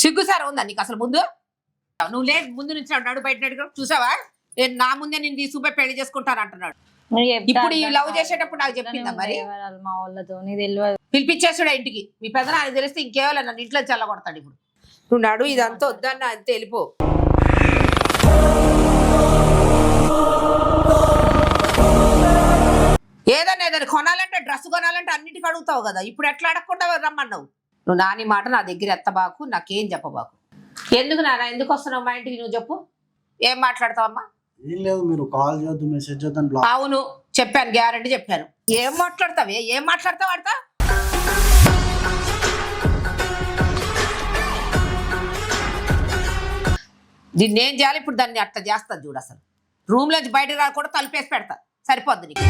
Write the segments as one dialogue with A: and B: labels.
A: సిగ్గుసారా ఉందా నీకు అసలు? ముందు నువ్వు లేదు, ముందు నుంచి నడు బయట చూసావా? నేను నా ముందే నేను తీసుకుపోయి పెళ్లి చేసుకుంటాను అంటున్నాడు. ఇప్పుడు ఈ లవ్ చేసేటప్పుడు నాకు చెప్పిందా మరి?
B: మా వాళ్ళతో
A: పిలిపించేసాడు ఇంటికి. మీ పెద్ద నాకు తెలిస్తే ఇంకేవాళ్ళు నన్ను ఇంట్లో చల్లగొడతాడు. ఇప్పుడు నువ్వు నడు, ఇదంతా వద్దన్న అంతే, వెళ్ళిపో. ఏదైనా కొనాలంటే డ్రెస్ కొనాలంటే అన్నిటికీ అడుగుతావు కదా, ఇప్పుడు ఎట్లా అడగకుండా రమ్మన్నావు? నువ్వు నాని మాట నా దగ్గర ఎత్తబాకు, నాకేం చెప్పబాకు. ఎందుకు నాన్న, ఎందుకు వస్తున్నావు మా ఇంటికి? నువ్వు చెప్పు, ఏం మాట్లాడతావమ్మా?
C: ఏం లేదు, మీరు కాల్ చేయొద్దు, మెసేజ్ చేద్దాం.
A: అవును చెప్పాను, గ్యారంటీ చెప్పాను. ఏం మాట్లాడతావే? ఏం మాట్లాడతావు ఆడతా? దీన్ని ఏం చేయాలి ఇప్పుడు? దాన్ని అట్లా చేస్తా చూడు. అసలు రూమ్ లోంచి బయటకు రాకుండా తలుపేసి పెడతా, సరిపోద్ది నీకు.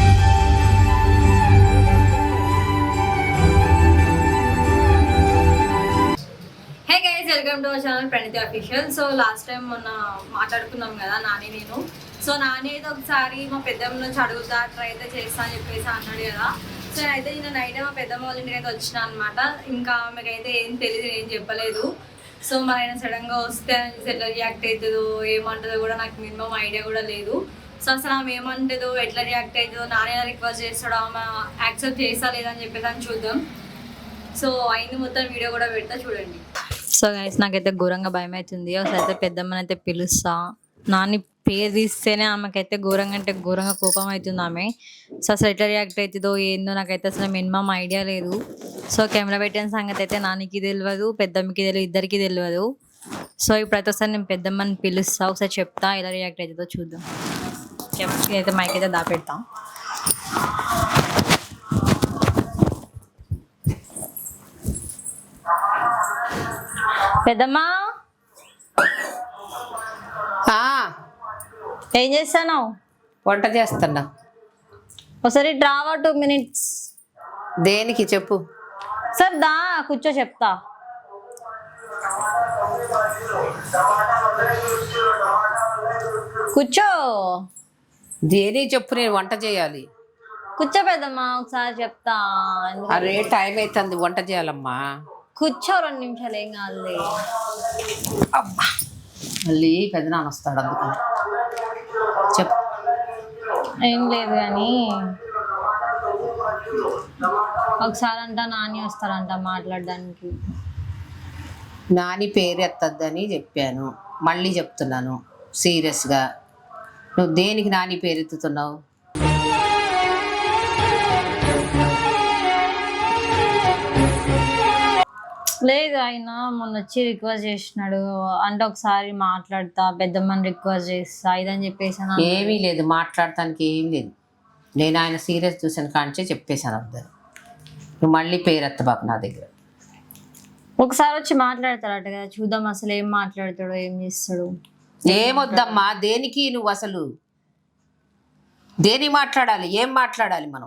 B: Hey guys, welcome to our channel Praniti official. So last time మొన్న మాట్లాడుకున్నాం కదా నాని నేను. సో నాని అయితే ఒకసారి మా పెద్దమ్మ నుంచి అడుగుతా, ట్రై అయితే చేస్తా అని చెప్పేసి అన్నాడు కదా. సో నేనైతే నిన్న నైట్ మా పెద్దమ్మ వాళ్ళ ఇంటికి అయితే వచ్చిన అనమాట. ఇంకా ఆమెకైతే ఏం తెలియదు, ఏం చెప్పలేదు. సో మరి ఆయన సడన్గా వస్తే ఎట్లా రియాక్ట్ అవుతుందో ఏమంటుందో కూడా నాకు మినిమం ఐడియా కూడా లేదు. సో అసలు ఆమె ఏమంటుందో, ఎట్లా రియాక్ట్ అవుతుందో, నాని రిక్వెస్ట్ చేస్తాడో, ఆమె యాక్సెప్ట్ చేస్తా లేదని చెప్పేసి అని చూద్దాం. సో అయింది మొత్తం వీడియో కూడా పెడతా చూడండి. సో గైస్, నాకైతే ఘోరంగా భయం అవుతుంది. ఒకసారి అయితే పెద్దమ్మని అయితే పిలుస్తా. నాని పేరు తీస్తేనే ఆమెకైతే ఘోరంగా అంటే ఘోరంగా కోపం అవుతుంది ఆమె. సో అసలు ఎట్లా రియాక్ట్ అవుతుందో ఏందో నాకైతే అసలు మినిమం ఐడియా లేదు. సో కెమెరా పెట్టిన సంగతి అయితే నానికి తెలియదు, పెద్దమ్మకి తెలియదు, ఇద్దరికి తెలియదు. సో ఇప్పుడైతే ఒకసారి నేను పెద్దమ్మని పిలుస్తా, ఒకసారి చెప్తా ఎలా రియాక్ట్ అవుతుందో చూద్దాం. అయితే మైక్ అయితే దాపెడతాం. పెద్దమ్మా, ఏం చేస్తాను?
A: వంట చేస్తున్నా.
B: ఒకసారి డ్రావా 2 minutes.
A: దేనికి చెప్పు?
B: సార్ దా కూర్చో చెప్తా. కూర్చో.
A: దేనికి చెప్పు, నేను వంట చేయాలి.
B: కూర్చో పెద్దమ్మా, ఒకసారి చెప్తా.
A: అరే టైం అవుతుంది, వంట చేయాలమ్మా.
B: కూర్చో, 2 నిమిషాలు, ఏం కాదు.
A: అబ్బా, మళ్ళీ పెద్దనాన్న వస్తాడు అందుకని. చెప్పు.
B: ఏం లేదు కానీ ఒకసారి అంట నాని వస్తారంట మాట్లాడడానికి.
A: నాని పేరు ఎత్తద్దని చెప్పాను, మళ్ళీ చెప్తున్నాను సీరియస్గా. నువ్వు దేనికి నాని పేరు ఎత్తుతున్నావు?
B: లేదు, ఆయన మొన్న వచ్చి రిక్వెస్ట్ చేసినాడు అంటే ఒకసారి మాట్లాడతా, పెద్దమ్మని రిక్వెస్ట్ చేస్తా ఇదని చెప్పేసి.
A: ఏమీ లేదు, మాట్లాడటానికి ఏం లేదు. నేను ఆయన సీరియస్ చూసాను కాంచే చెప్పేశాను అర్థం. నువ్వు మళ్ళీ పేరు ఎత్తబాకు నా దగ్గర.
B: ఒకసారి వచ్చి మాట్లాడతాడట కదా, చూద్దాం అసలు ఏం మాట్లాడతాడో, ఏం చేస్తాడు.
A: ఏమొద్దమ్మా, దేనికి నువ్వు అసలు దేనికి మాట్లాడాలి? ఏం మాట్లాడాలి మనం?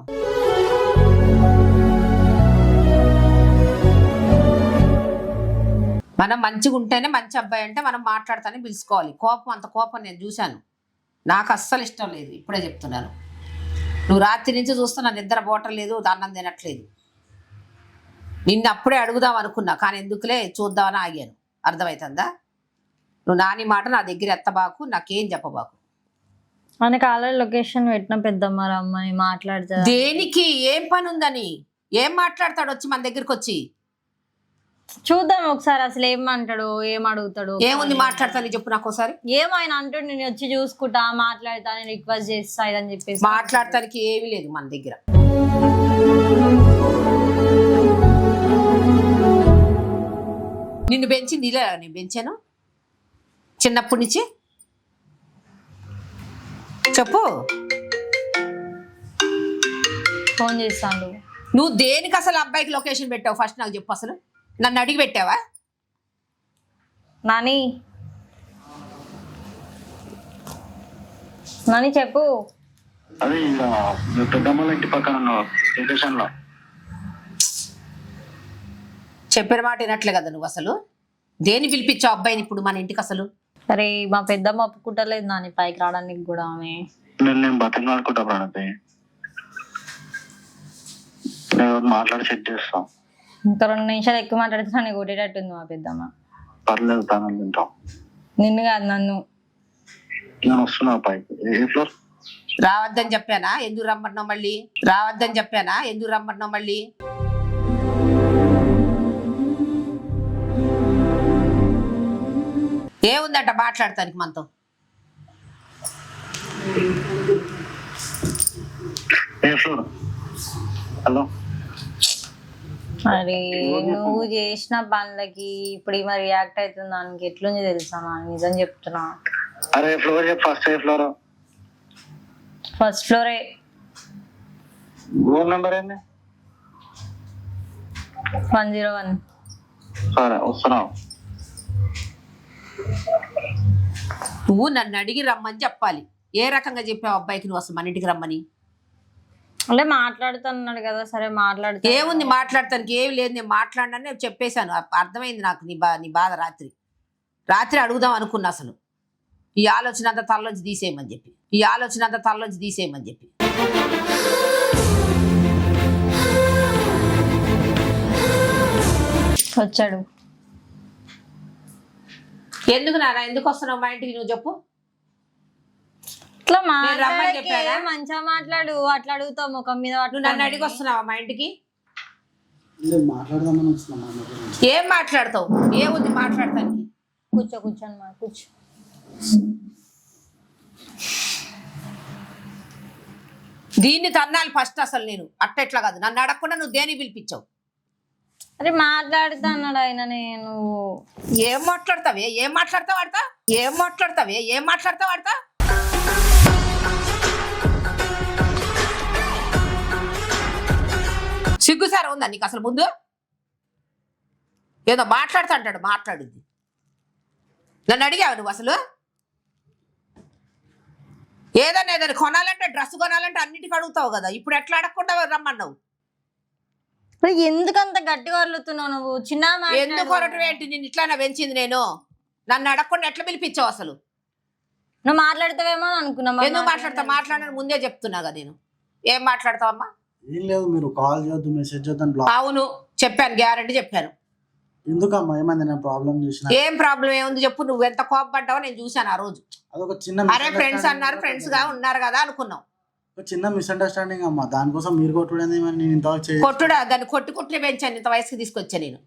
A: మనం మంచిగా ఉంటేనే మంచి అబ్బాయి అంటే మనం మాట్లాడతానే పిలుచుకోవాలి. కోపం, అంత కోపం నేను చూశాను, నాకు అస్సలు ఇష్టం లేదు. ఇప్పుడే చెప్తున్నాను, నువ్వు రాత్రి నుంచి చూస్తున్నా, నిద్ర పోవట్లేదు, అన్నం తినట్లేదు. నిన్ను అప్పుడే అడుగుదాం అనుకున్నా, కానీ ఎందుకులే చూద్దామని ఆగాను. అర్థమవుతుందా? నువ్వు నాని మాట నా దగ్గర ఎత్తబాకు, నాకేం చెప్పబాకు.
B: మనకి ఆల్రెడీ లొకేషన్ పెట్టిన పెద్దమ్మ రమ్మని మాట్లాడతా.
A: దేనికి? ఏం పని ఉందని? ఏం మాట్లాడతాడు వచ్చి మన దగ్గరికి వచ్చి?
B: చూద్దాం ఒకసారి అసలు ఏమంటాడు, ఏం అడుగుతాడు.
A: ఏముంది మాట్లాడతాను చెప్పు నాకు ఒకసారి.
B: ఏమైనా అంటాడు, నేను వచ్చి చూసుకుంటా, మాట్లాడతా, నేను రిక్వెస్ట్ చేస్తా ఇదని చెప్పేసి.
A: మాట్లాడటానికి ఏమీ లేదు మన దగ్గర. నిన్ను పెంచింది ఇలా నేను పెంచాను చిన్నప్పటి నుంచి. చెప్పు.
B: ఫోన్ చేస్తాను.
A: నువ్వు దేనికి అసలు అబ్బాయికి లొకేషన్ పెట్టావు? ఫస్ట్ నాకు చెప్పు. అసలు నన్ను అడిగి పెట్టావా?
B: నాని నాని చెప్పు.
C: అదే పెద్దమ్మల ఇంటి పక్కన లొకేషన్ లో
A: చెప్పిన మాట వినట్లే కదా నువ్వు. అసలు దేని పిలిపించావు అబ్బాయిని ఇప్పుడు మన ఇంటికి? అసలు
B: అరే మా పెద్దమ్మ ఒప్పుకుంటలేదు నాని పైకి రావడానికి కూడా. ఆమె
C: నేను బతిమాలుకుంటా ప్రణతి, మాట్లాడి సెట్ చేస్తాం.
B: ఇంకా 2 నిమిషాలు ఎక్కువ మాట్లాడితే నన్ను కొట్టేటట్టుంది మా పెద్దమ్మ.
C: పర్లేదు తానం తింటాం.
B: నిన్ను కాదు నన్ను.
C: నేను వస్తున్నా పైకి. ఏ ఫ్లోర్?
A: రావద్దని చెప్పానా? ఎందుకు రమ్మన్నావు మళ్ళీ? రావద్దని చెప్పానా? ఎందుకు రమ్మన్నావు మళ్ళీ? ఏముందంట మాట్లాడతానికి మనతో?
C: ఏ ఫ్లోర్? హలో.
B: మరి నువ్వు చేసిన పనులకి ఇప్పుడు ఈమె రియాక్ట్ అవుతుంది దానికి ఎట్లుంది తెలుసా? నిజం చెప్తున్నా.
C: అరే ఫ్లోర్ చెప్పు. ఫస్ట్ ఏ ఫ్లోర్?
B: ఫస్ట్ ఫ్లోరే.
C: రూమ్ నెంబర్ ఏంది?
B: 101.
C: సరే వస్తున్నావు.
A: నువ్వు నన్ను అడిగి రమ్మని చెప్పాలి. ఏ రకంగా చెప్పావు అబ్బాయికి నువ్వు అసలు మన ఇంటికి రమ్మని?
B: అంటే మాట్లాడుతున్నాడు కదా, సరే మాట్లాడుతా.
A: ఏముంది మాట్లాడటానికి? ఏమి లేదు, నేను మాట్లాడినని నేను చెప్పేశాను. అర్థమైంది నాకు నీ బాధ. రాత్రి అడుగుదాం అనుకున్నా అసలు. ఈ ఆలోచన అంతా తలలోంచి తీసేయమని చెప్పి.
B: వచ్చాడు.
A: ఎందుకు నాన్న, ఎందుకు వస్తున్నావు మా ఇంటికి నువ్వు చెప్పు.
B: ఇట్లా
A: నేను రమ్మని చెప్పానా?
B: మంచిగా మాట్లాడు. అట్లా అడుగుతావు ముఖం మీద.
A: నువ్వు నన్ను అడిగి వస్తున్నావా మా ఇంటికి?
C: మాట్లాడదామని వస్తున్నా.
A: ఏం మాట్లాడతావు? ఏముంది మాట్లాడటానికి?
B: కూర్చోండి మా కూర్చో.
A: దీన్ని తన్నాలి ఫస్ట్. అసలు నేను అట్లా కాదు, నన్ను అడగకుండా నువ్వు దేని పిలిపించావు?
B: అరే మాట్లాడుతా అన్నాడు ఆయన. నేను
A: ఏం మాట్లాడతావు ఆడతా? సిగ్గుసారా ఉందా నీకు అసలు? ముందు ఏదో మాట్లాడుతా అంటాడు. మాట్లాడింది నన్ను అడిగావు నువ్వు అసలు? ఏదైనా కొనాలంటే, డ్రెస్ కొనాలంటే అన్నిటికీ అడుగుతావు కదా. ఇప్పుడు ఎట్లా అడగకుండా రమ్మన్నావు?
B: ఎందుకంత గట్టిగా వదులుతున్నావు నువ్వు? చిన్న
A: ఎందుకు కొరటం ఏంటి? నేను ఇట్లానే పెంచింది నేను. నన్ను అడగకుండా ఎట్లా పిలిపించావు అసలు?
B: నువ్వు మాట్లాడతావేమో అనుకున్నా.
A: ఎందుకు మాట్లాడని ముందే చెప్తున్నా కదా నేను. ఏం మాట్లాడతావమ్మా?
C: ఏం లేదు, మీరు కాల్ చేయొద్దు, మెసేజ్ చేయొద్దు.
A: అవును చెప్పాను, గ్యారంటీ చెప్పాను.
C: ఎందుకమ్మా? ఏమైంది? నేను ప్రాబ్లం చేసిన?
A: ఏం ప్రాబ్లం ఏముంది చెప్పు. నువ్వు ఎంత కోపపడ్డావో నేను చూసాను ఆ రోజు.
C: అదొక చిన్న
A: అరే ఫ్రెండ్స్ అన్నారు, ఫ్రెండ్స్ గా ఉన్నారు కదా అనుకున్నాం.
C: ఒక చిన్న మిస్అండర్స్టాండింగ్ అమ్మా. దానికోసం మీరు కొట్టుడేంది? నేను ఇంతవరకు
A: కొట్టుడా? దాన్ని కొట్టుకుంటే పెంచాను, ఇంత వయసుకి తీసుకొచ్చా నేను.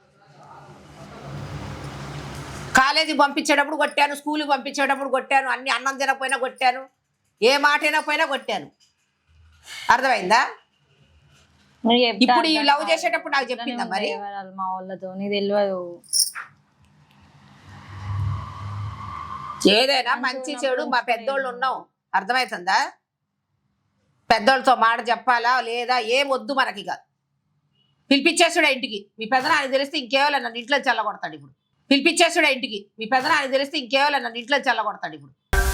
A: కాలేజీకి పంపించేటప్పుడు కొట్టాను, స్కూల్కి పంపించేటప్పుడు కొట్టాను, అన్ని అన్నం తినకపోయినా కొట్టాను, ఏ మాట అయినా కొట్టాను. అర్థమైందా? ఇప్పుడు ఈ లవ్ చేసేటప్పుడు నాకు చెప్పిందా మరి?
B: మా వాళ్ళతో నీ తెలియదు.
A: ఏదైనా మంచి చెడు మా పెద్దోళ్ళు ఉన్నాం, అర్థమవుతుందా? పెద్దోళ్ళతో మాట చెప్పాలా లేదా ఏం వద్దు మనకి. కాదు పిలిపించేసాడు ఇంటికి. మీ పెదనాన్ని తెలిస్తే ఇంకేవాళ్ళ నన్ను ఇంట్లో చల్లగొడతాడు ఇప్పుడు. పిలిపించేసాడు ఇంటికి. మీ పెదనాన్ని తెలిస్తే ఇంకేవాళ్ళ నన్ను ఇంట్లో చల్లగొడతాడు ఇప్పుడు.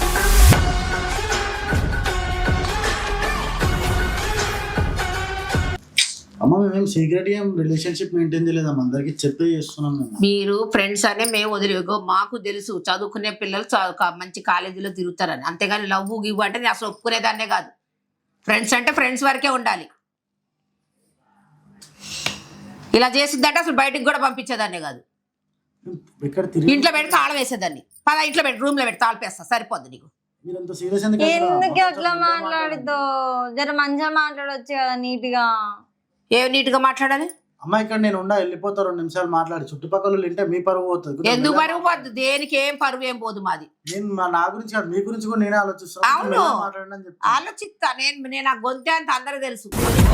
C: అమ్మ మేము సీక్రెట్ ఏం రిలేషన్షిప్ మెయింటైన్ చేయలేదమ్మా. అందరికి చెప్పే చేస్తున్నాం మేము.
A: మీరు ఫ్రెండ్స్ అనే మేము వదిలేగో. మాకు తెలుసు చదువుకునే పిల్లలు మంచి కాలేజీలో తిరుగుతారని. అంతేగాని లవ్ గివ్ అంటే నేను అసలు ఒప్పుకునేదాన్నే కాదు. ఫ్రెండ్స్ అంటే ఫ్రెండ్స్ వరకే ఉండాలి. ఇలా చేసిద్దంటే అసలు బయటికి కూడా పంపించేదాన్నే కాదు. ఇంట్లో పెట్టి తాళం వేసేదాన్ని. పద ఇంట్లో పెట్టి రూమ్ లో పెట్టి తాళపేస్తా, సరిపోద్ది నీకు.
B: ఎందుకు అట్లా మాట్లాడుతో? జర మంచిగా మాట్లాడొచ్చు కదా నీట్ గా.
A: ఏం నీట్ గా మాట్లాడాలి?
C: అమ్మ ఇక్కడ నేను వెళ్ళిపోతా 2 నిమిషాలు మాట్లాడి. చుట్టుపక్కల వింటే మీ పరువు పోతుంది.
A: ఎందుకు పరువు పోద్దు? దేనికి ఏం పరువు ఏం పోదు మాది.
C: నేను నా గురించి కాదు, మీ గురించి కూడా నేనే ఆలోచిస్తాను.
A: అవును ఆలోచిస్తా. నేను ఆ గొంతే అంత అందరూ తెలుసు.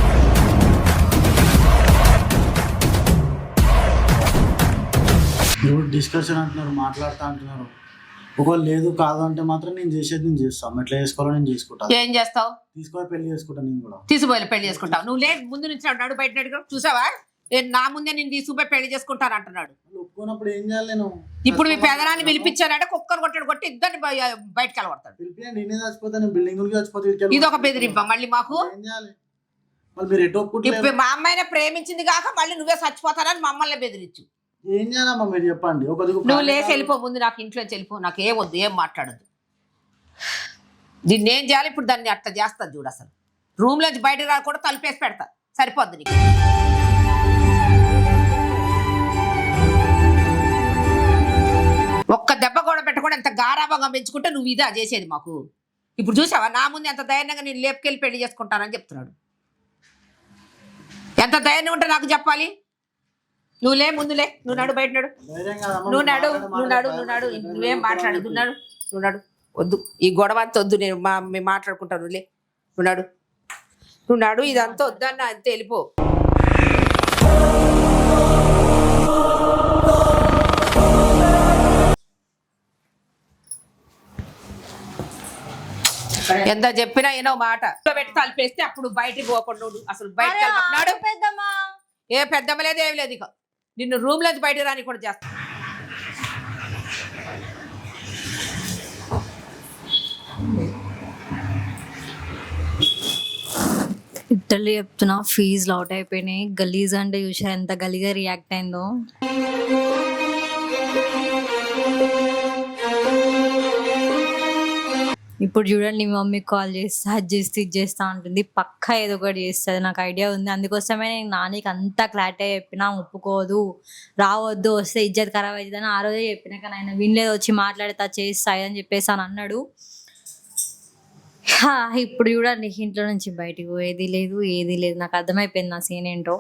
C: మీరు డిస్కషన్ అంటున్నారు, మాట్లాడుతా అంటున్నారు. ఒకవేళ లేదు కాదు అంటే మాత్రం నేను చేసేది నేను చేస్తాను. ఎట్లా చేసుకోవాలో నేను చేసుకుంటాను.
A: ఏం చేస్తావు?
C: తీసుకొని పెళ్లి చేసుకుంటాను. నేను కూడా
A: తీసుకుపోయి పెళ్లి చేసుకుంటావు. నువ్వు లేదు ముందు నుంచి అన్నాడు బయట చూసావా? నా ముందే నేను తీసుకుపోయి పెళ్లి చేసుకుంటాను అంటున్నాడు.
C: ఒప్పుకున్నప్పుడు ఏం చేయాలి నేను?
A: ఇప్పుడు మీ పెదనాన్ని పిలిపించారంటే కుక్కను కొట్టి ఇద్దరిని బయటకు వెళ్ళగొడతాడు.
C: పిలిపి నేనే చచ్చిపోతాను, బిల్డింగ్ చచ్చిపోతాను.
A: ఇది ఒక బెదిరింప మళ్ళీ మాకు.
C: ఏం చేయాలి? మళ్ళీ మీరు ఎటు ఒప్పుకుంటే
A: మా అమ్మాయినే ప్రేమించింది కాక మళ్ళీ నువ్వే చచ్చిపోతానని మమ్మల్ని బెదిరించు.
C: ఏం చేయాలమ్మా మీరు చెప్పండి.
A: నువ్వు లేచి వెళ్ళిపో ముందు. నాకు ఇంట్లో వెళ్ళిపో. నాకు ఏం వద్దు, ఏం మాట్లాడద్దు. దీన్ని ఏం చేయాలి ఇప్పుడు? దాన్ని అట్లా చేస్తుంది చూడు. అసలు రూమ్ లోంచి బయటకు రాకుండా తలుపేసి పెడతా, సరిపోద్ది నీకు. అంత గారాభంగా పెంచుకుంటే నువ్వు ఇదా చేసేది మాకు. ఇప్పుడు చూసావా నా ముందు ఎంత ధైర్యంగా నేను లేపుకెళ్ళి పెళ్లి చేసుకుంటానని చెప్తున్నాడు. ఎంత ధైర్యం ఉంటే నాకు చెప్పాలి. నువ్వులే ముందులే, నువ్వు నడు, బయట నడు,
C: ధైర్యం కాదమ్మా,
A: నువ్వు నడు,
C: మాట్లాడే
A: నువ్వు నడు,
C: మాటలు
A: నువ్వు నడు,
C: భయం
A: నువ్వేం
C: ఉంటుంది.
A: మాట్లాడు, నువ్వు నడు, నువ్వు నడు, వద్దు ఈ గొడవ అంతా వద్దు, మేము మాట్లాడుకుంటాను. నువ్వులే, నువ్వు నడు, నువ్వు నడు, ఇదంతా వద్దన్న అంతే, వెళ్ళిపో. ఎంత చెప్పినా ఏనో మాట పెట్టి తలిపేస్తే అప్పుడు బయటికి పోకుండా ఉండు. అసలు బయటకు వెళ్ళిపోతున్నాడు.
B: పెద్దమ్మా
A: ఏ పెద్దమ్మ లేదు, ఏమి లేదు. ఇక నిన్ను రూమ్ నుంచి బయటికి రాని కూడా చేస్తా.
B: ఇట్టలు చెప్తున్నా, ఫీజులు అవుట్ అయిపోయినాయి. గలీజ్ అంటే చూసా ఎంత గలీగా రియాక్ట్ అయిందో. ఇప్పుడు చూడండి, మీ మమ్మీకి కాల్ చేస్తా, అది చేస్తే ఇది చేస్తా ఉంటుంది. పక్కా ఏదో ఒకటి చేస్తుంది, నాకు ఐడియా ఉంది. అందుకోసమే నేను నానికి అంతా క్లారిటీ చెప్పినా, ఒప్పుకోదు, రావద్దు, వస్తే ఇజ్జత్ ఖరాబ్ అవుతుందని ఆ రోజే చెప్పినా. కానీ ఆయన వినలేదు, వచ్చి మాట్లాడతా చేస్తా అని చెప్పేసి అని అన్నాడు. ఇప్పుడు చూడండి, ఇంట్లో నుంచి బయటికి పోయేది లేదు, ఏది లేదు. నాకు అర్థమైపోయింది నా సీన్ ఏంటో.